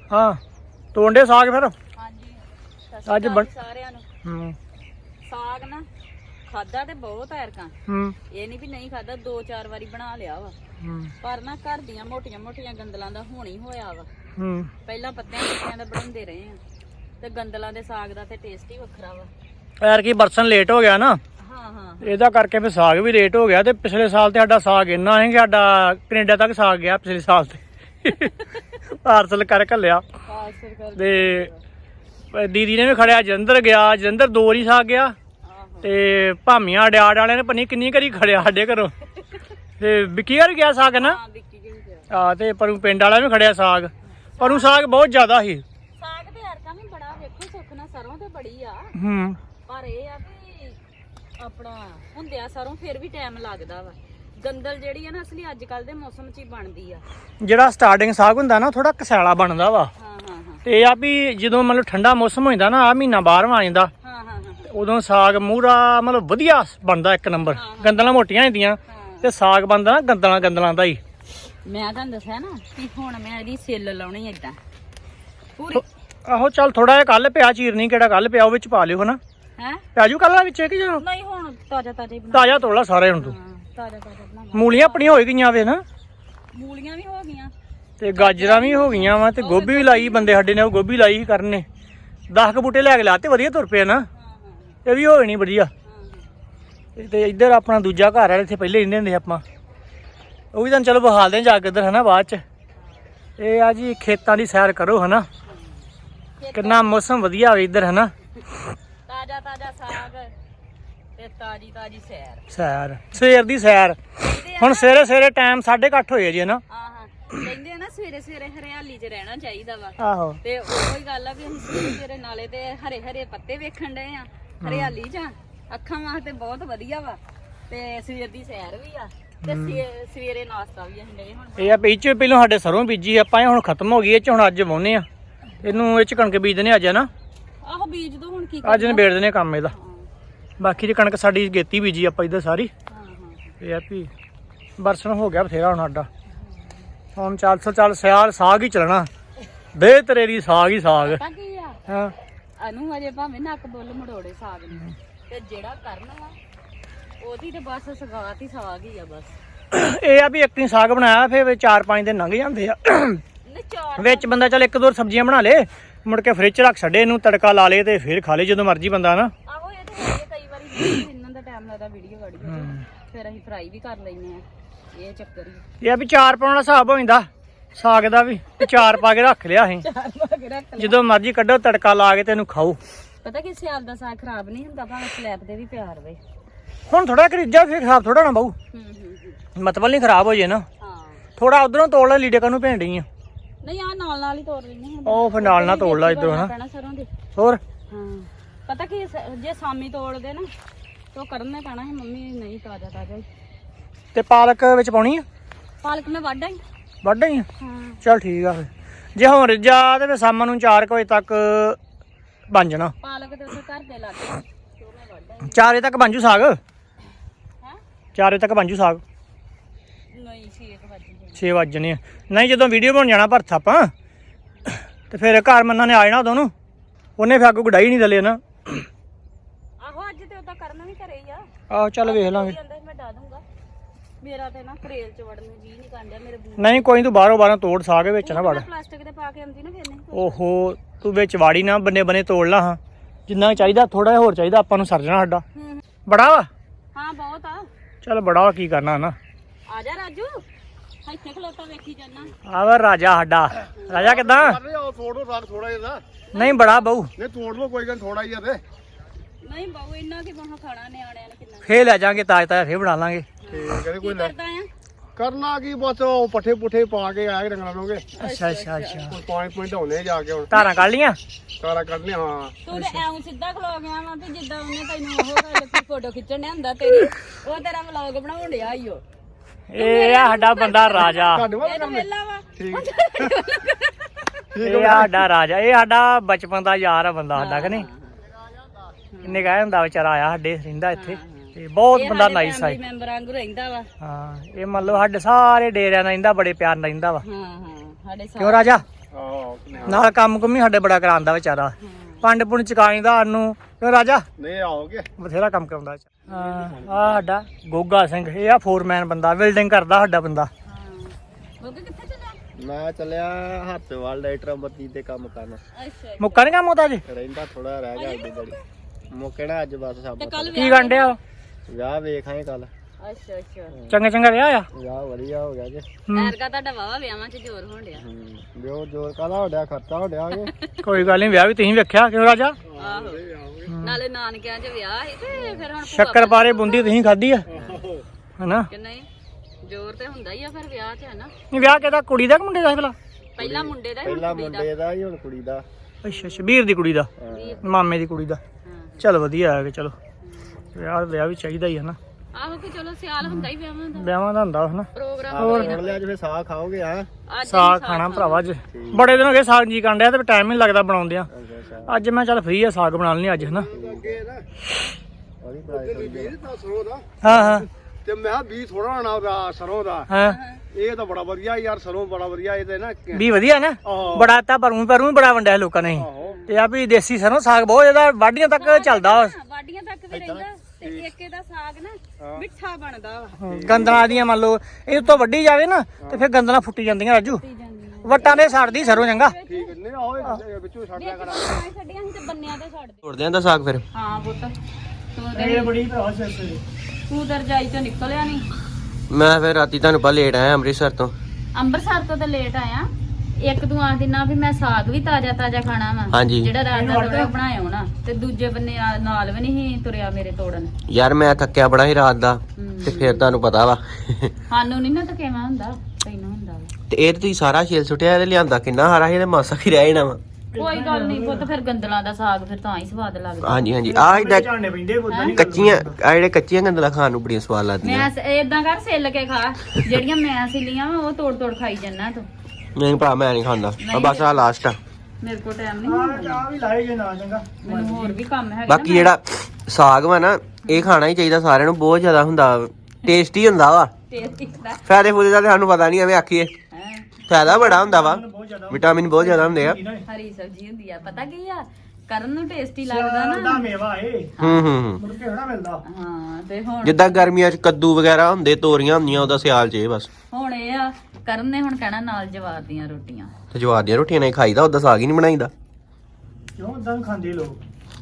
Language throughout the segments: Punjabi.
ਹਾਂ ਤੋਂਡੇ ਸਾਗ ਫਿਰ ਹਾਂਜੀ ਅੱਜ ਸਾਰਿਆਂ ਨੂੰ ਹੂੰ ਸਾਗ ਨਾ ਖਾਦਾ ਤੇ ਬਹੁਤ ਐਰਕਾਂ ਹੂੰ ਇਹ ਨਹੀਂ ਵੀ ਨਹੀਂ ਖਾਦਾ 2-4 ਵਾਰੀ ਬਣਾ ਲਿਆ ਵਾ ਪਰ ਨਾ ਘਰ ਦੀਆਂ ਮੋਟੀਆਂ ਗੰਦਲਾਂ ਦਾ ਹੋਣੀ ਹੋਇਆ ਵਾ ਹੂੰ ਪਹਿਲਾਂ ਪੱਤਿਆਂ ਦਾ ਬਣਾਉਂਦੇ ਰਹੇ ਆ ਤੇ ਗੰਦਲਾਂ ਦੇ ਸਾਗ ਦਾ ਤੇ ਟੇਸਟ ਹੀ ਵੱਖਰਾ ਵਾ ਯਾਰ ਕੀ ਬਰਸਨ ਲੇਟ ਹੋ ਗਿਆ ਨਾ ਹਾਂ ਇਹਦਾ ਕਰਕੇ ਫਿਰ ਸਾਗ ਵੀ ਲੇਟ ਹੋ ਗਿਆ ਤੇ ਪਿਛਲੇ ਸਾਲ ਤੇ ਸਾਡਾ ਸਾਗ ਇੰਨਾ ਹੈ ਕਿ ਸਾਡਾ ਕੈਨੇਡਾ ਤੱਕ ਸਾਗ ਗਿਆ ਪਿਛਲੇ ਸਾਲ ਤੇ ਪਾਰਸਲ ਕਰ ਘੱਲਿਆ ਤੇ ਦੀਦੀ ਨੇ ਵੀ ਖੜਿਆ ਜਲੰਧਰ ਗਿਆ ਜਲੰਧਰ 2 ਵਾਰੀ ਸਾਗ ਗਿਆ ਤੇ ਭਾਮੀਆਂ ਅਡਿਆੜ ਵਾਲਿਆਂ ਨੇ ਪਨੀ ਕਿੰਨੀ ਘਰੀ ਖੜਿਆ ਸਾਡੇ ਘਰੋਂ ਤੇ ਵਿੱਕੀ ਵਾਰ ਗਿਆ ਸਾਗ ਨਾ ਆ ਤੇ ਪਰੂ ਪਿੰਡ ਵਾਲਾ ਵੀ ਖੜਿਆ ਸਾਗ ਪਰੂ ਸਾਗ ਬਹੁਤ ਜ਼ਿਆਦਾ ਸੀ ਸਾਗ ਤੇ ਅਰਕਾ ਵੀ ਬੜਾ ਵੇਖੋ ਸੁੱਖ ਨਾਲ ਸਰੋਂ ਤੇ ਬੜੀ ਆ ਪਰ ਇਹ ਆ ਵੀ ਆਪਣਾ ਹੁੰਦਿਆ ਸਰੋਂ ਫਿਰ ਵੀ ਟਾਈਮ ਲੱਗਦਾ ਵਾ ਗੰਦਲ ਜਿਹੜੀ ਆ ਨਾ ਅਸਲੀ ਅੱਜ ਕੱਲ ਦੇ ਮੌਸਮ 'ਚ ਹੀ ਬਣਦੀ ਆ ਜਿਹੜਾ ਸਟਾਰਟਿੰਗ ਸਾਗ ਹੁੰਦਾ ਨਾ ਥੋੜਾ ਕਸੈਲਾ ਬਣਦਾ ਵਾ ਤੇ ਇਹ ਆ ਵੀ ਜਦੋਂ ਮਤਲਬ ਠੰਡਾ ਮੌਸਮ ਹੋ ਜਾਂਦਾ ਨਾ ਆ ਮਹੀਨਾ ਬਾਹਰੋਂ ਆ ਜਾਂਦਾ ਉਦੋਂ ਸਾਗ ਮੂਹਰਾ ਮਤਲਬ ਵਧੀਆ ਬਣਦਾ ਇੱਕ ਨੰਬਰ ਗੰਦਲਾਂ ਮੋਟੀਆਂ ਹੁੰਦੀਆਂ ਤੇ ਸਾਗ ਬਣਦਾ ਨਾ ਗੰਦਲਾਂ ਦਾ ਹੀ ਮੈਂ ਤੁਹਾਨੂੰ ਦੱਸਿਆ ਨਾ ਕਿ ਹੁਣ ਮੈਂ ਇਹਦੀ ਸਿੱਲ ਲਾਉਣੀ ਏਦਾਂ ਪੂਰੀ ਆਹੋ ਚੱਲ ਥੋੜਾ ਜਿਹਾ ਕੱਲ ਪਿਆ ਚੀਰਨੀ ਕਿਹੜਾ ਕੱਲ ਪਿਆ ਉਹ ਵਿੱਚ ਪਾ ਲਿਓ ਹਨਾ ਹੈ ਪਿਆਜੂ ਕੱਲ ਵਿੱਚ ਕਿ ਜਦੋਂ ਨਹੀਂ ਹੁਣ ਤਾਜ਼ਾ ਤੋੜ ਸਾਰੇ ਹੁਣ ਤੂੰ ਤਾਜ਼ਾ ਬਣਾ ਮੂਲੀਆਂ ਆਪਣੀਆਂ ਹੋ ਗਈਆਂ ਵੇ ਨਾ ਮੂਲੀਆਂ ਵੀ ਹੋ ਗਈਆਂ ਤੇ ਗਾਜਰਾਂ ਵੀ ਹੋ ਗਈਆਂ ਵਾ ਤੇ ਗੋਭੀ ਵੀ ਲਾਈ ਬੰਦੇ ਸਾਡੇ ਨੇ ਉਹ ਗੋਭੀ ਲਾਈ ਸੀ ਕਰਨੇ 10 ਕੁ ਬੂਟੇ ਲੈ ਕੇ ਲਾਤੇ ਵਧੀਆ ਤੁਰ ਪਏ ਨਾ ਇਹ ਵੀ ਹੋਏ ਨਹੀਂ ਵਧੀਆ ਤੇ ਇੱਧਰ ਆਪਣਾ ਦੂਜਾ ਘਰ ਵਾਲੇ ਇੱਥੇ ਪਹਿਲੇ ਰਹਿੰਦੇ ਹੁੰਦੇ ਆਪਾਂ ਉਹ ਵੀ ਤੁਹਾਨੂੰ ਚਲੋ ਬਹਾਲਦੇ ਹਾਂ ਜਾ ਕੇ ਇੱਧਰ ਹਨਾ ਬਾਅਦ ਚ ਇਹ ਆ ਜੀ ਖੇਤਾਂ ਦੀ ਸੈਰ ਕਰੋ ਹਨਾ ਕਿੰਨਾ ਮੌਸਮ ਵਧੀਆ ਹੋਵੇ ਇੱਧਰ ਹਨਾ ਤਾਜ਼ਾ ਸਾਗ ਤੇ ਤਾਜ਼ੀ ਸੈਰ ਸਵੇਰ ਦੀ ਸੈਰ ਹੁਣ ਸਵੇਰੇ ਟਾਈਮ 8:30 ਹੋਏ ਜੀ ਹਨਾ ਕਹਿੰਦੇ ਆ ਨਾ ਸਵੇਰੇ ਹਰਿਆਲੀ 'ਚ ਰਹਿਣਾ ਚਾਹੀਦਾ ਵਾ ਆਹੋ ਤੇ ਉਹੀ ਗੱਲ ਆ ਵੀ ਅਸੀਂ ਸਵੇਰੇ ਨਾਲੇ ਤੇ ਹਰੇ ਪੱਤੇ ਵੇਖਣ ਡਏ ਆ ਹਰਿਆਲੀ 'ਚ ਅੱਖਾਂ ਵਾਸਤੇ ਬਹੁਤ ਵਧੀਆ ਵਾ ਤੇ ਸਵੇਰ ਦੀ ਸੈਰ ਵੀ ਆ ਤੇ ਸਵੇਰੇ ਨਾਸ਼ਤਾ ਵੀ ਅਸੀਂ ਡਏ ਹੁਣ ਇਹ ਆ ਵਿੱਚ ਪਹਿਲਾਂ ਸਾਡੇ ਸਰੋਂ ਬੀਜੀ ਆਪਾਂ ਇਹ ਹੁਣ ਖਤਮ ਹੋ ਗਈ ਇਹ ਚ ਹੁਣ ਅੱਜ ਵਾਹੁੰਦੇ ਆ ਇਹਨੂੰ ਇਹ ਚ ਕਣਕ ਬੀਜਦੇ ਅੱਜ ਨਾ ਆਹੋ ਬੀਜ ਦੋ ਹੁਣ ਕੀ ਅੱਜ ਨਿਬੇੜ ਦਿੰਦੇ ਕੰਮ ਇਹਦਾ ਬਾਕੀ ਦੀ ਕਣਕ ਸਾਡੀ ਗੇਤੀ ਬੀਜੀ ਆਪਾਂ ਇੱਧਰ ਸਾਰੀ ਇਹ ਆ ਵੀ ਬਰਸਨ ਹੋ ਗਿਆ ਬਥੇਰਾ ਹੁਣ ਸਾਡਾ ਹੁਣ ਚੱਲ ਸਿਆਲ ਸਾਗ ਹੀ ਚੱਲਣਾ ਦੇ ਤੇਰੇ ਦੀ ਸਾਗ ਹੀ ਸਾਗ ਪਤਾ ਕੀ ਆ ਹਾਂ ਅਨੂ ਅਜੇ ਭਾਵੇਂ ਨੱਕ ਬੁੱਲ ਮੜੋੜੇ ਸਾਗ ਨੂੰ ਤੇ ਜਿਹੜਾ ਕਰਨਾ ਵਾ ਉਹਦੀ ਤੇ ਬਸ ਸਗਾਤ ਹੀ ਸਾਗ ਹੀ ਆ ਬਸ ਇਹ ਆ ਵੀ ਇੱਕ ਹੀ ਸਾਗ ਬਣਾਇਆ ਫਿਰ 4-5 ਦਿਨ ਲੰਘ ਜਾਂਦੇ ਆ ਵਿੱਚ ਬੰਦਾ ਚੱਲ 1-2 ਸਬਜ਼ੀਆਂ ਬਣਾ ਲੇ ਮੁੜ ਕੇ ਫ੍ਰਿਜ 'ਚ ਰੱਖ ਛੱਡੇ ਇਹਨੂੰ ਤੜਕਾ ਲਾ ਲੇ ਤੇ ਫਿਰ ਖਾ ਲੇ ਜਦੋਂ ਮਰਜ਼ੀ ਬੰਦਾ ਨਾ ਆਹੋ ਇਹ ਤੇ ਹੈ ਕਈ ਵਾਰੀ ਇਹਨਾਂ ਦਾ ਟਾਈਮ ਲੱਗਦਾ ਵੀਡੀਓ ਫਿਰ ਅਸੀਂ ਫਰਾਈ ਵੀ ਕਰ ਲੈਨੇ ਆ ਇਹ ਚੱਕਰ ਹੀ ਇਹ ਆ ਵੀ 4 ਪਾਉਣ ਦਾ ਹਿਸਾਬ ਹੋ ਜਾਂਦਾ ਸਾਗ ਦਾ ਵੀ 4 ਪਾ ਕੇ ਰੱਖ ਲਿਆ ਅਸੀਂ ਜਦੋਂ ਮਰਜ਼ੀ ਕੱਢੋ ਤੜਕਾ ਲਾ ਕੇ ਤੇ ਇਹਨੂੰ ਖਾਓ ਪਤਾ ਕਿ ਸਿਆਲ ਦਾ ਸਾਗ ਖਰਾਬ ਨਹੀਂ ਹੁੰਦਾ ਭਾਵੇਂ ਸਲੈਬ ਦੇ ਵੀ ਪਿਆ ਰਵੇ ਹੁਣ ਥੋੜਾ ਕਰੀਜਾ ਫਿਰ ਖਰਾਬ ਥੋੜਾ ਨਾ ਬਾਊ ਮਤਲਬ ਨਹੀਂ ਖਰਾਬ ਹੋ ਜੇ ਨਾ ਥੋੜਾ ਉਧਰੋਂ ਤੋੜ ਲੈ ਲੀੜੇ ਕਾਨੂੰ ਭੇਣ ਡਈ ਆ ਨਹੀਂ ਆ ਨਾਲ ਹੀ ਤੋੜ ਲੈਣੇ ਉਹ ਫਿਰ ਨਾਲ ਤੋੜ ਲਾ ਇਧਰੋਂ ਹਨਾ ਸਰੋਂ ਦੇ ਹੋਰ ਪਤਾ ਕੀ ਜੇ ਸਾਮੀ ਤੋੜਦੇ ਨਾ ਤਾਂ ਕਰਨੇ ਪੈਣਾ ਸੀ ਮੰਮੀ ਨਹੀਂ ਤਾਜ਼ਾ ਹੀ ਤੇ ਪਾਲਕ ਵਿੱਚ ਪਾਉਣੀ ਆ ਪਾਲਕ ਮੈਂ ਵੱਢ ਆਈ ਆ ਚਲ ਠੀਕ ਆ ਫਿਰ ਜੇ ਹੁਣ ਰਿੱਜਾ ਤੇ ਫਿਰ ਸ਼ਾਮ ਨੂੰ 4 ਵਜੇ ਤੱਕ ਬਣ ਜਾਣਾ ਪਾਲਕ ਤੇ ਉੱਥੇ ਘਰ ਦੇ ਲਾਗੇ 4 ਵਜੇ ਤੱਕ ਬਣ ਜੂ ਸਾਗ 4 ਵਜੇ ਤੱਕ ਬਣ ਜੂ ਸਾਗ ਨਹੀਂ 6 ਵਜ ਜਣੇ ਨਹੀਂ ਜਦੋਂ ਵੀਡੀਓ ਬਣ ਜਾਣਾ ਭਰਥ ਆਪਾਂ ਤੇ ਫਿਰ ਘਰ ਮੰਨਾ ਨੇ ਆ ਜਾਣਾ ਉਦੋਂ ਨੂੰ ਉਹਨੇ ਫਿਰ ਅੱਗੋਂ ਗਡਾਈ ਨਹੀਂ ਦਲੇ ਨਾ ਆਹੋ ਅੱਜ ਤੇ ਉਦਾਂ ਕਰਨਾ ਵੀ ਘਰੇ ਹੀ ਆ ਆਹੋ ਚੱਲ ਵੇਖ ਲਾਂਗੇ ਮੈਂ ਡਾ ਦੂੰਗਾ ਮੇਰਾ ਤੇ ਨਾ ਕਰੇਲ ਚ ਵੜਨ ਨੂੰ ਜੀ ਨਹੀਂ ਕਾਂਡਿਆ ਮੇਰੇ ਬੂਟ ਨਹੀਂ ਕੋਈ ਤੂੰ ਬਾਹਰੋਂ ਤੋੜ ਸਾਗ ਵਿੱਚ ਨਾ ਵੜ ਪਲਾਸਟਿਕ ਦੇ ਪਾ ਕੇ ਆਉਂਦੀ ਨਾ ਫਿਰ ਨਹੀਂ ਓਹੋ ਤੂੰ ਵਿੱਚ ਵਾੜੀ ਨਾ ਬੰਨੇ ਤੋੜ ਲਾ ਹਾਂ ਜਿੰਨਾ ਚਾਹੀਦਾ ਥੋੜਾ ਜਿਹਾ ਹੋਰ ਚਾਹੀਦਾ ਆਪਾਂ ਨੂੰ ਸਰ ਜਾਣਾ ਸਾਡਾ ਬੜਾ ਵਾ ਹਾਂ ਬਹੁਤ ਆ ਚੱਲ ਬੜਾ ਵਾ ਕੀ ਕਰਨਾ ਨਾ ਆ ਜਾ ਰਾਜੂ ਇੱਥੇ ਖਲੋਤਾ ਵੇਖੀ ਜਾਨਾ ਆ ਵਾ ਰਾਜਾ ਸਾਡਾ ਰਾਜਾ ਕਿੱਦਾਂ ਤੋੜੋ ਸਾਗ ਥੋੜਾ ਜਿਹਾ ਨਹੀਂ ਬੜਾ ਬਹੁ ਨਹੀਂ ਤੋੜ ਲੋ ਕੋਈ ਗੱਲ ਥੋੜਾ ਜਿਹਾ ਤੇ ਨਹੀਂ ਬਾਬੂ ਇੰਨਾ ਕੀ ਬਾਹਾਂ ਖਾਣਾ ਨਿਆਣਿਆਂ ਨੇ ਕਿੰਨਾ ਫੇਰ ਲੈ ਜਾਾਂਗੇ ਤਾਜ਼ਾ ਫੇਰ ਬਣਾ ਲਾਂਗੇ ਠੀਕ ਹੈ ਕੋਈ ਲੈ ਕਰਦਾ ਆ ਕਰਨਾ ਕੀ ਬਸ ਉਹ ਪੱਠੇ ਪੁੱਠੇ ਪਾ ਕੇ ਆਏ ਡੰਗਰਾਂ ਲੋਗੇ ਅੱਛਾ ਕੋਈ ਪੁਆਇੰਟ ਢਾਉਣੇ ਜਾ ਕੇ ਹੁਣ ਧਾਰਾਂ ਕੱਢ ਲੀਆਂ ਕਾਰਾ ਕੱਢਨੇ ਹਾਂ ਤੂੰ ਤੇ ਐਉਂ ਸਿੱਧਾ ਖਲੋ ਗਿਆ ਵਾ ਵੀ ਜਿੱਦਾਂ ਉਹਨੇ ਤੈਨੂੰ ਉਹ ਗੱਲ ਦੀ ਫੋਟੋ ਖਿੱਚਣ ਨੇ ਹੁੰਦਾ ਤੇਰੀ ਉਹ ਤੇਰਾ ਵਲੌਗ ਬਣਾਉਣ ਡਿਆ ਈ ਓ ਇਹ ਆ ਸਾਡਾ ਬੰਦਾ ਰਾਜਾ ਤੁਹਾਡੇ ਵੱਲ ਇਹ ਤਾਂ ਵੇਲਾ ਵਾ ਠੀਕ ਇਹ ਆ ਸਾਡਾ ਰਾਜਾ ਇਹ ਸਾਡਾ ਬਚਪਨ ਦਾ ਯਾਰ ਆ ਬੰਦਾ ਸਾਡਾ ਕਿ ਨਹੀਂ ਇਹਨੇ ਕਹਿਆ ਹੁੰਦਾ ਵਿਚਾਰਾ ਆਇਆ ਸਾਡੇ ਰਹਿੰਦਾ ਇੱਥੇ ਤੇ ਬਹੁਤ ਬੰਦਾ ਨਾਈਸ ਆ ਮੈਂਬਰ ਵਾਂਗੂ ਰਹਿੰਦਾ ਵਾ ਹਾਂ ਇਹ ਮੰਨ ਲਓ ਸਾਡੇ ਸਾਰੇ ਡੇਰਿਆਂ ਨਾਲ ਰਹਿੰਦਾ ਬੜੇ ਪਿਆਰ ਨਾਲ ਰਹਿੰਦਾ ਵਾ ਹਾਂ ਸਾਡੇ ਕਿਉਂ ਰਾਜਾ ਨਾਲ ਕੰਮ ਕੁੰਮ ਵੀ ਸਾਡੇ ਬੜਾ ਕਰਾਉਂਦਾ ਵਿਚਾਰਾ ਪੰਡ ਪੁੰਡ ਚਕਾਈਦਾ ਸਾਨੂੰ ਕਿਉਂ ਰਾਜਾ ਨਹੀਂ ਆਓਗੇ ਬਥੇਰਾ ਕੰਮ ਕਰਾਉਂਦਾ ਹਾਂ ਆ ਸਾਡਾ ਗੋਗਾ ਸਿੰਘ ਇਹ ਆ ਫੋਰਮੈਨ ਬੰਦਾ ਵੈਲਡਿੰਗ ਕਰਦਾ ਸਾਡਾ ਬੰਦਾ ਗੋਗਾ ਕਿੱਥੇ ਚੱਲਿਆ ਮੈਂ ਚੱਲਿਆ ਹੱਥਵਾਲ ਲਾਈਟਰ ਬੱਤੀ ਤੇ ਕੰਮ ਕਰਨ ਅੱਛਾ ਮੁੱਕਾ ਨੀ ਕੰਮ ਹੁੰਦਾ ਜੀ ਰਹਿੰਦਾ ਥੋੜਾ ਰਹਿ ਗਿਆ ਅੱਗੇ ਗੜੀ ਮੁੱਕਣਾ ਅੱਜ ਬਸ ਸਭ ਤੇ ਕੱਲ ਕੀ ਗੰਡਿਆ ਵਿਆਹ ਵੇਖਾਂਗੇ ਕੱਲ ਅੱਛਾ ਅੱਛਾ ਚੰਗਾ ਵਿਆਹ ਆ ਵਿਆਹ ਵਧੀਆ ਹੋ ਗਿਆ ਜੀ ਐਰਗਾ ਤੁਹਾਡਾ ਵਾਵਾ ਵਿਆਹਾਂ 'ਚ ਜ਼ੋਰ ਹੋਣ ਡਿਆ ਵਿਆਹ ਜੋਰ ਕਾਲਾ ਹੋ ਗਿਆ ਖਰਚਾ ਹੋ ਗਿਆ ਕੋਈ ਗੱਲ ਨਹੀਂ ਵਿਆਹ ਵੀ ਤੁਸੀਂ ਵੇਖਿਆ ਕਿਉਂ ਰਾਜਾ ਆਹੋ ਨਾਲੇ ਨਾਨਕਿਆਂ 'ਚ ਵਿਆਹ ਸੀ ਤੇ ਫਿਰ ਹੁਣ ਸ਼ੱਕਰ ਬਾਰੇ ਬੁੰਦੀ ਤੁਸੀਂ ਖਾਧੀ ਆ ਹਨਾ ਕਿ ਨਹੀਂ ਜ਼ੋਰ ਤੇ ਹੁੰਦਾ ਹੀ ਆ ਫਿਰ ਵਿਆਹ 'ਚ ਹਨਾ ਨਹੀਂ ਵਿਆਹ ਕਿਹਦਾ ਕੁੜੀ ਦਾ ਕਿ ਮੁੰਡੇ ਦਾ ਭਲਾ ਪਹਿਲਾਂ ਮੁੰਡੇ ਦਾ ਪਹਿਲਾਂ ਮੁੰਡੇ ਦਾ ਹੀ ਹੁਣ ਕੁੜੀ ਦਾ ਅੱਛਾ ਸ਼ਬੀਰ ਦੀ ਕੁੜੀ ਦਾ ਮਾਮੇ ਦੀ ਕੁੜੀ ਦਾ ਚਲ ਵਧੀਆ ਆ ਕਿ ਚਲੋ ਵਿਆਹ ਵੀ ਚਾਹੀਦਾ ਹੀ ਹੈ ਨਾ ਆਹੋ ਕਿ ਚਲੋ ਸਿਆਲ ਹੁੰਦਾ ਹੀ ਵਿਆਹਾਂ ਦਾ ਵਿਆਹਾਂ ਦਾ ਹੁੰਦਾ ਹਨਾ ਪ੍ਰੋਗਰਾਮ ਹੋਰ ਹੁਣ ਲਿਆ ਅੱਜ ਫੇ ਸਾਗ ਖਾਓਗੇ ਆ ਅੱਜ ਸਾਗ ਖਾਣਾ ਭਰਾਵਾ ਅੱਜ ਬੜੇ ਦਿਨ ਹੋ ਗਏ ਸਾਗ ਜੀ ਕਾਂਡਿਆ ਤੇ ਟਾਈਮ ਨਹੀਂ ਲੱਗਦਾ ਬਣਾਉਂਦੇ ਆ ਅੱਜ ਮੈਂ ਚੱਲ ਫ੍ਰੀ ਆ ਸਾਗ ਬਣਾ ਲੈਣੀ ਅੱਜ ਹਨਾ ਹਾਂ ਤੇ ਮੈਂ ਵੀ ਥੋੜਾ ਹੋਣਾ ਸਰੋਂ ਦਾ ਹਾਂ ਇਹ ਤਾਂ ਬੜਾ ਵਧੀਆ ਯਾਰ ਸਰੋਂ ਬੜਾ ਵਧੀਆ ਇਹ ਤੇ ਨਾ ਵੀ ਵਧੀਆ ਨਾ ਬੜਾ ਤਾਂ ਪਰੂ ਬੜਾ ਵੰਡਿਆ ਲੋਕਾਂ ਨੇ ਤੇ ਆ ਵੀ ਦੇਸੀ ਸਰੋਂ ਸਾਗ ਬਹੁਤ ਇਹਦਾ ਵਾਢੀਆਂ ਤੱਕ ਚੱਲਦਾ ਵਾਢੀਆਂ ਤੱਕ ਵੀ ਰਹਿੰਦਾ ਤੇ ਇੱਕ ਇਹਦਾ ਸਾਗ ਨਾ ਮਿੱਠਾ ਬਣਦਾ ਵਾ ਗੰਦਲਾਂ ਦੀਆਂ ਮੰਨ ਲਓ ਇਹ ਉੱਤੋਂ ਵੱਢੀ ਜਾਵੇ ਨਾ ਤੇ ਫਿਰ ਗੰਦਲਾਂ ਫੁੱਟੀ ਜਾਂਦੀਆਂ ਰਾਜੂ ਵੱਟਾਂ ਦੇ ਸੜਦੀ ਸਰੋਂ ਚੰਗਾ ਠੀਕ ਨਹੀਂ ਆਓ ਵਿੱਚੋਂ ਛੱਡ ਦਿਆ ਕਰਾਂ ਛੱਡੀਆਂ ਸੀ ਤੇ ਬੰਨਿਆਂ ਤੇ ਛੱਡ ਦੇ ਤੋੜਦੇ ਆਂ ਦਾ ਸਾਗ ਫਿਰ ਹਾਂ ਪੁੱਤ ਇਹ ਬੜੀ ਭਰਾ ਸਿਰ ਤੂੰ ਦਰਜਾਈ ਚੋਂ ਨਿਕਲਿਆ ਨਹੀਂ ਮੈਂ ਫਿਰ ਰਾਤੀ ਤੁਹਾਨੂੰ ਪਾ ਲੇਟ ਆਇਆ ਅੰਮ੍ਰਿਤਸਰ ਤੋਂ ਅੰਮ੍ਰਿਤਸਰ ਤੋਂ ਤਾਂ ਲੇਟ ਆਇਆ ਇੱਕ ਤੂੰ ਆਖ ਦਿਨਾ ਵੀ ਮੈਂ ਸਾਗ ਵੀ ਤਾਜ਼ਾ ਖਾਣਾ ਵਾ ਹਾਂਜੀ ਜਿਹੜਾ ਰਾਤ ਦਾ ਤੁਸੀਂ ਬਣਾਇਆ ਹੋਣਾ ਤੇ ਦੂਜੇ ਬੰਨੇ ਨਾਲ ਵੀ ਨਹੀਂ ਤੁਰਿਆ ਮੇਰੇ ਤੋੜਨ ਯਾਰ ਮੈਂ ਥੱਕਿਆ ਬੜਾ ਸੀ ਰਾਤ ਦਾ ਤੇ ਫਿਰ ਤੁਹਾਨੂੰ ਪਤਾ ਵਾ ਸਾਨੂੰ ਨਹੀਂ ਨਾ ਤਕੇਵਾ ਹੁੰਦਾ ਤੈਨੂੰ ਹੁੰਦਾ ਵਾ ਤੇ ਇਹ ਤੇ ਤੁਸੀਂ ਸਾਰਾ ਛੇਲ ਸੁੱਟਿਆ ਇਹਦੇ ਲਿਆਂਦਾ ਕਿੰਨਾ ਹਾਰਾ ਸੀ ਇਹਦੇ ਮਾਸਾ ਹੀ ਰਹਿ ਜਾਣਾ ਵਾ ਕੋਈ ਗੱਲ ਨਹੀਂ ਪੁੱਤ ਫਿਰ ਗੰਦਲਾਂ ਦਾ ਸਾਗ ਫਿਰ ਤਾਂ ਹੀ ਸਵਾਦ ਲੱਗਦਾ ਹਾਂਜੀ ਆ ਇਦਾਂ ਝਾੜਨੇ ਪੈਂਦੇ ਉਦਾਂ ਨਹੀਂ ਕੱਚੀਆਂ ਆ ਜਿਹੜੇ ਕੱਚੀਆਂ ਗੰਦਲਾਂ ਖਾਣ ਨੂੰ ਬੜੀਆਂ ਸਵਾਦ ਲੱਗਦੀਆਂ ਮੈਂ ਇਦਾਂ ਕਰ ਸਿੱਲ ਕੇ ਖਾ ਜਿਹੜੀਆਂ ਮੈਂ ਸਿੱਲੀਆਂ ਵਾ ਉਹ ਤੋੜ ਖਾਈ ਜੰਨਾ ਤੂੰ ਨਹੀਂ ਭਰਾ ਮੈਂ ਨਹੀਂ ਖਾਂਦਾ ਆ ਬਸ ਆ ਲਾਸਟ ਆ ਮੇਰੇ ਕੋਲ ਟਾਈਮ ਨਹੀਂ ਆ ਵੀ ਲਾਏ ਜੇ ਨਾ ਚੰਗਾ ਮੈਨੂੰ ਹੋਰ ਵੀ ਕੰਮ ਹੈਗਾ ਬਾਕੀ ਜਿਹੜਾ ਸਾਗ ਵਾ ਨਾ ਇਹ ਖਾਣਾ ਹੀ ਚਾਹੀਦਾ ਸਾਰਿਆਂ ਨੂੰ ਬਹੁਤ ਜ਼ਿਆਦਾ ਹੁੰਦਾ ਟੇਸਟੀ ਹੁੰਦਾ ਵਾ ਟੇਸਟੀ ਦਾ ਫਾਇਦੇ ਫੂਦੇ ਦਾ ਤੇ ਸਾਨੂੰ ਪਤਾ ਨਹੀਂ ਐਵੇਂ ਆਖੀਏ ਹੈ ਫਾਇਦਾ ਬੜਾ ਹੁੰਦਾ ਵਾ ਵਿਟਾਮਿਨ ਬਹੁਤ ਜ਼ਿਆਦਾ ਹੁੰਦੇ ਆ ਹਰੀ ਸਬਜ਼ੀ ਹੁੰਦੀ ਆ ਪਤਾ ਕੀ ਆ ਕਰਨ ਨੂੰ ਟੇਸਟੀ ਲੱਗਦਾ ਨਾ ਦਾ ਮੇਵਾ ਏ ਹੂੰ ਮੁੜ ਕੇ ਹੋਣਾ ਮਿਲਦਾ ਹਾਂ ਤੇ ਹੁਣ ਜਿੱਦਾਂ ਗਰਮੀਆਂ 'ਚ ਕੱਦੂ ਵਗੈਰਾ ਹੁੰਦੇ ਤੋਰੀਆਂ ਹੁੰਦੀਆਂ ਉਹਦਾ ਸਿਆਲ 'ਚ ਇਹ ਬਸ ਹੁਣ ਇਹ ਆ ਕਰਨ ਨੇ ਹੁਣ ਕਹਿਣਾ ਨਾਲ ਜਵਾਰ ਦੀਆਂ ਰੋਟੀਆਂ ਤੇ ਜਵਾਰ ਦੀਆਂ ਰੋਟੀਆਂ ਨਹੀਂ ਖਾਈਦਾ ਉਹਦਾ ਸਾਗ ਹੀ ਨਹੀਂ ਬਣਾਈਦਾ ਕਿਉਂ ਉਦਾਂ ਖਾਂਦੇ ਲੋਕ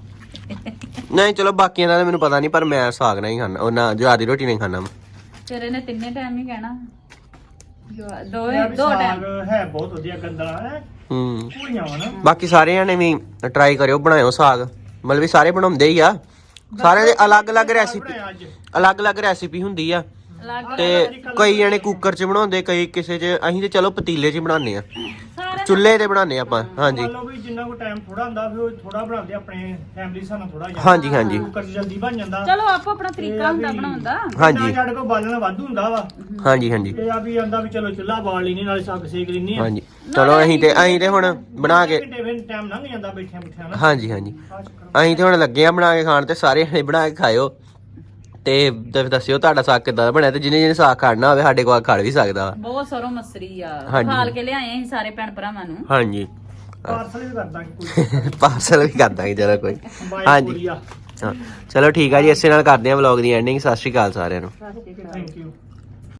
ਨਹੀਂ ਚਲੋ ਬਾਕੀਆਂ ਦਾ ਤਾਂ ਮੈਨੂੰ ਪਤਾ ਨਹੀਂ ਪਰ ਮੈਂ ਸਾਗ ਨਹੀਂ ਖਾਣਾ ਉਹ ਨਾ ਜਵਾਰ ਦੀ ਰੋਟੀ ਨਹੀਂ ਖਾਣਾ ਮੈਂ ਫਿਰ ਇਹਨੇ ਤਿੰਨੇ ਟਾਈਮ ਹੀ ਕਹਿਣਾ ਦੋ ਸਾਗ ਟਾਈਮ ਹੈ ਬਹੁਤ ਵਧੀਆ ਗੰਦਲਾ ਹੈ ਹੂੰ ਪੂਰੀਆਂ ਵਾ ਨਾ ਬਾਕੀ ਸਾਰਿਆਂ ਨੇ ਵੀ ਟਰਾਈ ਕਰਿਓ ਬਣਾਇਓ ਸਾਗ ਮਤਲਬ ਵੀ ਸਾਰੇ ਬਣਾਉਂਦੇ ਹੀ ਆ ਸਾਰਿਆਂ ਦੇ ਅਲੱਗ-ਅਲੱਗ ਰੈਸਿਪੀ ਅੱਜ ਅਲੱਗ-ਅਲੱਗ ਰੈਸਿਪੀ ਹੁੰਦੀ ਆ ਤੇ ਕਈ ਜਣੇ ਕੁੱਕਰ 'ਚ ਬਣਾਉਂਦੇ ਕਈ ਕਿਸੇ 'ਚ ਅਸੀਂ ਤੇ ਚਲੋ ਪਤੀਲੇ 'ਚ ਹੀ ਬਣਾਉਂਦੇ ਆ ਚੁੱਲ੍ਹੇ ਤੇ ਬਣਾਉਂਦੇ ਆਪਾਂ ਹਾਂਜੀ ਮੰਨ ਲਓ ਵੀ ਜਿੰਨਾ ਕੋ ਟਾਈਮ ਥੋੜਾ ਹੁੰਦਾ ਫਿਰ ਉਹ ਥੋੜਾ ਬਣਾਉਂਦੇ ਆਪਣੇ ਫੈਮਿਲੀ ਸਾਨੂੰ ਥੋੜਾ ਜਿਹਾ ਹਾਂਜੀ ਹਾਂਜੀ ਕੁੱਕਰ 'ਚ ਜਲਦੀ ਬਣ ਜਾਂਦਾ ਚਲੋ ਆਪੋ ਆਪਣਾ ਤਰੀਕਾ ਹੁੰਦਾ ਬਣਾਉਣ ਦਾ ਹਾਂਜੀ ਸਾਡੇ ਕੋਲ ਬਾਲਣਾ ਵਾਧੂ ਹੁੰਦਾ ਵਾ ਹਾਂਜੀ ਹਾਂਜੀ ਇਹ ਆ ਵੀ ਆਂਦਾ ਵੀ ਚਲੋ ਚੁੱਲ੍ਹਾ ਬਾਲ ਲੈਨੇ ਨਾਲੇ ਸਾਗ ਸੇਕ ਲੈਨੇ ਆ ਹਾਂਜੀ ਚਲੋ ਅਸੀਂ ਤੇ ਹੁਣ ਬਣਾ ਕੇ ਘੰਟੇ ਫਿਰ ਟਾਈਮ ਲੰਘ ਜਾਂਦਾ ਬੈਠਿਆਂ ਬਿਠਿਆਂ ਨਾ ਹਾਂਜੀ ਹਾਂਜੀ ਅਸੀਂ ਤੇ ਹੁਣ ਲੱਗੇ ਆ ਬਣਾ ਕੇ ਖਾਣ ਤੇ ਸਾਰੇ ਜਣੇ ਬਣਾ ਕੇ ਖਾਇਓ ਤੇ ਦੱਸਿਓ ਤੁਹਾਡਾ ਸਾਗ ਕਿੱਦਾਂ ਦਾ ਬਣਿਆ ਤੇ ਜਿਹਨੇ ਸਾਗ ਖਾਣਾ ਹੋਵੇ ਸਾਡੇ ਕੋਲ ਖਾ ਵੀ ਸਕਦਾ ਵਾ ਬਹੁਤ ਸਰੋਂ ਮਸਰੀ ਆ ਹਾਂਜੀ। ਖਾਲ ਕੇ ਲਿਆਏ ਅਸੀਂ ਸਾਰੇ ਭੈਣ ਭਰਾਵਾਂ ਨੂੰ ਹਾਂਜੀ ਪਾਰਸਲ ਵੀ ਕਰ ਦਾਂਗੇ ਕੋਈ ਪਾਰਸਲ ਵੀ ਕਰ ਦਾਂਗੇ ਜਰਾ ਕੋਈ ਬਾਈ ਹਾਂਜੀ ਕੋਰੀਆ ਹਾਂ ਚਲੋ ਠੀਕ ਆ ਜੀ ਇਸੇ ਨਾਲ ਕਰਦੇ ਆ ਵਲੌਗ ਦੀ ਐਂਡਿੰਗ ਸਤਿ ਸ਼੍ਰੀ ਅਕਾਲ ਸਾਰਿਆਂ ਨੂੰ ਥੈਂਕ ਯੂ